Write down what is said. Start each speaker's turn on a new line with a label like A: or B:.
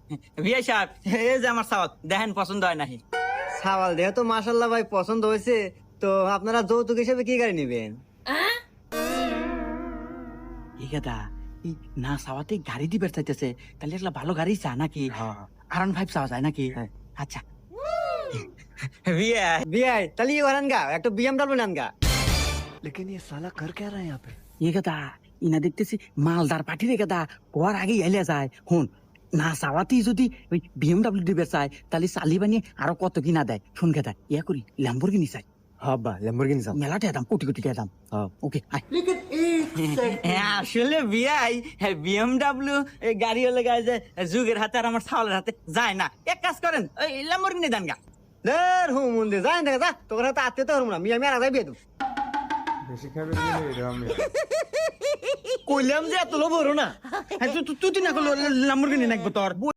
A: বিয়ে সাহেব এই যে আমার সাওয়াল দেখেন পছন্দ হয় নাকি?
B: সাওয়াল দেহ তো মাশাল্লাহ ভাই পছন্দ হয়েছে। তো আপনারা যৌতুক হিসেবে কি গাড়ি নেবেন?
A: এই কথা এই না সাওয়াতে গাড়ি দিবে চাইতেছে, তাহলে একটা ভালো গাড়ি চা নাকি? R15 চাওয়া যায় নাকি? আচ্ছা বিয়ে
B: বিয়াই তাহলে ইয়ে করেন গা, একটা BMW নেন গা।
A: এই কথা ইনা দেখতেছি মালদার পার্টি রে কথা কোয়ার আগে এলে যায়। হুন না চাওয়াতেই যদি ওই BMW দিবে চায়, তাহলে চালি বানিয়ে আরো কত কিনা দেয়। শুন কথা ইয়া করি ল্যাম্বরগিনি চাই।
B: হ্যাঁ ল্যাম্বরগিনি চাও।
A: মেলাটা দাম কোটি কোটি টাকা দাম। ওকে আসলে বিয়াই BMW গাড়ি হলে গায়ে যে যুগের হাতে আর আমার ছাওয়ালের হাতে যায় না। এক কাজ করেন ওই ল্যাম্বরগিনি দেন গা।
B: দের হুম মন্দির যাই দেখা যা, তোর হাতে আত্মীয়তা হরম না, মিয়া আর যাই বিয়ে দেব।
A: কইলাম যে এত লোভ হরো না। তুই না করলো ল্যাম্বরগিনি নাকবো তোর।